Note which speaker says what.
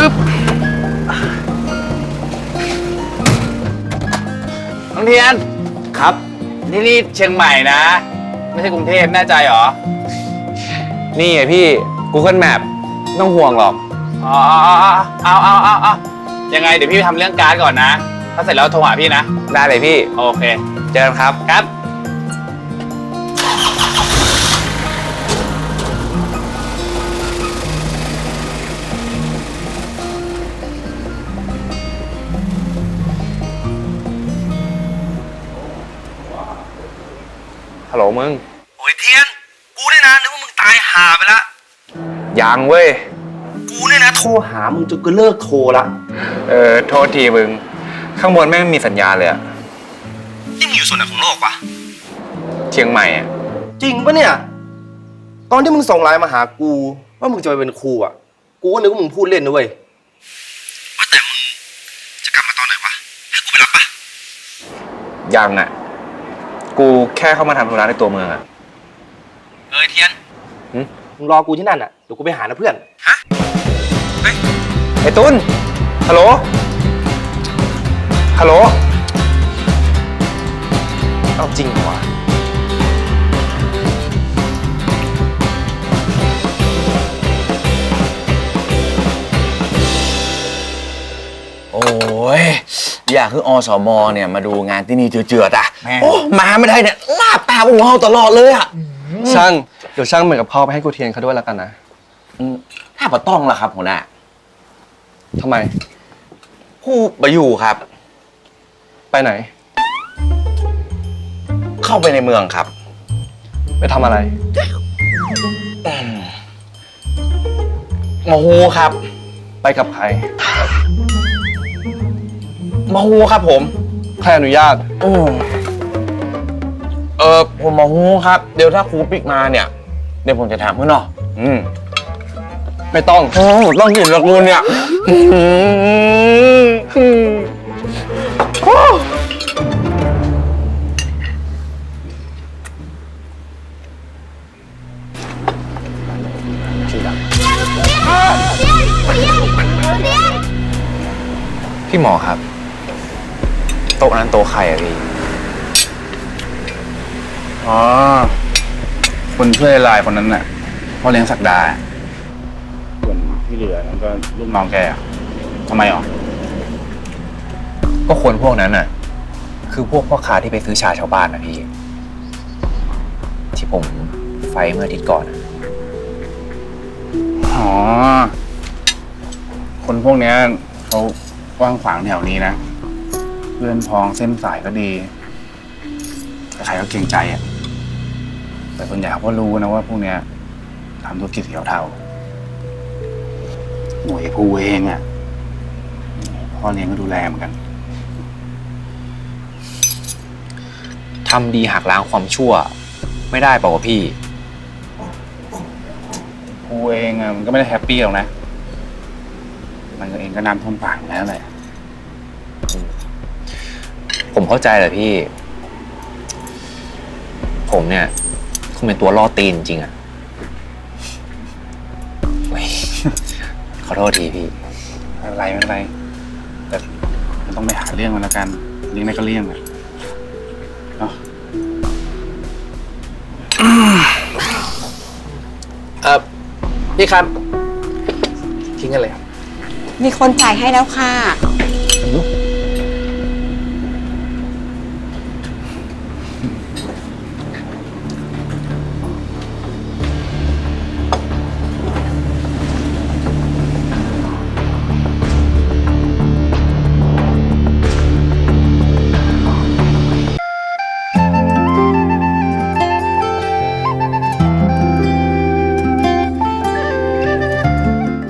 Speaker 1: น้องเทียนครับนี่เชียงใหม่นะไม่ใช่กรุงเทพแน่ใจเหรอนี่ไงพี่ Google Map ไม่ต้องห่วงหรอกอ๋อเอายังไงเดี๋ยวพี่ไปทำเรื่องการ์ดก่อนนะถ้าเสร็จแล้วโทรหาพี่นะได้เลยพี่โอเคเจอกันครับครับฮัลโหลมึง
Speaker 2: โอ้ยเทียนกูเนี่ยนะนึกว่ามึงตายห่าไปละ
Speaker 1: ยังเว้ย
Speaker 2: กูเนี่ยนะโทรหามึงจนกูเลิกโทรละ
Speaker 1: โทษทีมึงข้างบนแม่งมีสัญญาณเลยอะ
Speaker 2: นี่มึงอยู่ส่วนไหนของโลกวะ
Speaker 1: เชียงใหม่อะ
Speaker 2: จริงปะเนี่ยตอนที่มึงส่งไลน์มาหากูว่ามึงจะไปเป็นครูอะกูก็นึกว่ามึงพูดเล่นนะเว้ยว่าแต่มึงจะกลับมาตอนไหนวะให้กูไปรับปะ
Speaker 1: ยังอะกูแค่เข้ามาทำธุระในตัวเมืองอะ
Speaker 2: เทียนมึงรอกูที่นั่นอะเดี๋ยวกูไปหานะเพื่อนฮะเฮ้ย
Speaker 1: ไอ้ตุ้นฮัลโหลเอาจริงเหรอวะ
Speaker 3: โอ้ยอยากคืออสมเนี่ยมาดูงานที่นี่เจือๆอ่ะโอ้มาไม่ได้เนี่ยลาบตาพวกเราตลอดเลยอ่ะ
Speaker 2: ช่างเดี๋ยวช่างเหมือนกับพ่อไปให้กูเทียนเขาด้วยแล้วกันนะ
Speaker 3: ถ้าปะต้องล่ะครับหัวหน้า
Speaker 2: ทำไม
Speaker 3: ผู้ไปอยู่ครับ
Speaker 2: ไปไหน
Speaker 3: เข้าไปในเมืองครับ
Speaker 2: ไปทำอะไร
Speaker 3: มาฮูครับ
Speaker 2: ไปกับใคร
Speaker 3: มาฮูครับผม
Speaker 2: ใครอนุญาต
Speaker 3: ผมมาฮูครับเดี๋ยวถ้าครูปิกมาเนี่ยเดี๋ยวผมจะถามเพื่อนเนาะ
Speaker 2: ไม่ต้อง
Speaker 3: ต้องเห็นละกูเนี่ย
Speaker 1: พี่หมอครับโต๊ะนั้นโต๊ะใครอะพี่
Speaker 4: อ๋อคนช่วยลายคนนั้นน่ะพ่อเลี้ยงศักดาส่วนที่เหลือนั้นก็ลูกน้องแกทำไมหรอ
Speaker 1: ก็คนพวกนั้นน่ะคือพวกพ่อค้าที่ไปซื้อชาชาวบ้านนะพี่ที่ผมไฟเมื่ออาทิตย์ก่อน
Speaker 4: อ๋อคนพวกนี้เขากว้างขวางแถวนี้นะเพื่อนพ้องเส้นสายก็ดีใครก็เกรงใจอ่ะแต่ส่วนใหญ่เขาก็รู้นะว่าพวกเนี้ยทำธุรกิจสีเทาหน่วยกูเองอ่ะพ่อเลี้ยงก็ดูแลเหมือนกัน
Speaker 1: ทำดีหักล้างความชั่วไม่ได้เปล่าวะพี่
Speaker 4: กูเองอ่ะมันก็ไม่ได้แฮปปี้หรอกนะมันเองก็น้ำท่วมปากแล้วแหละ
Speaker 1: ผมเข้าใจแหละพี่ผมเนี่ยคงเป็นตัวล่อตีนจริงๆอ่ะขอโทษทีพี่
Speaker 4: ไม่เป็นไรแต่มันต้องไปหาเรื่องมันแล้วกันเรื่องไหนก็เรื่องอ่ะเนาะ
Speaker 2: พี่ครับทิ้งกันเลยครับ
Speaker 5: มีคนจ่ายให้แล้วค่ะ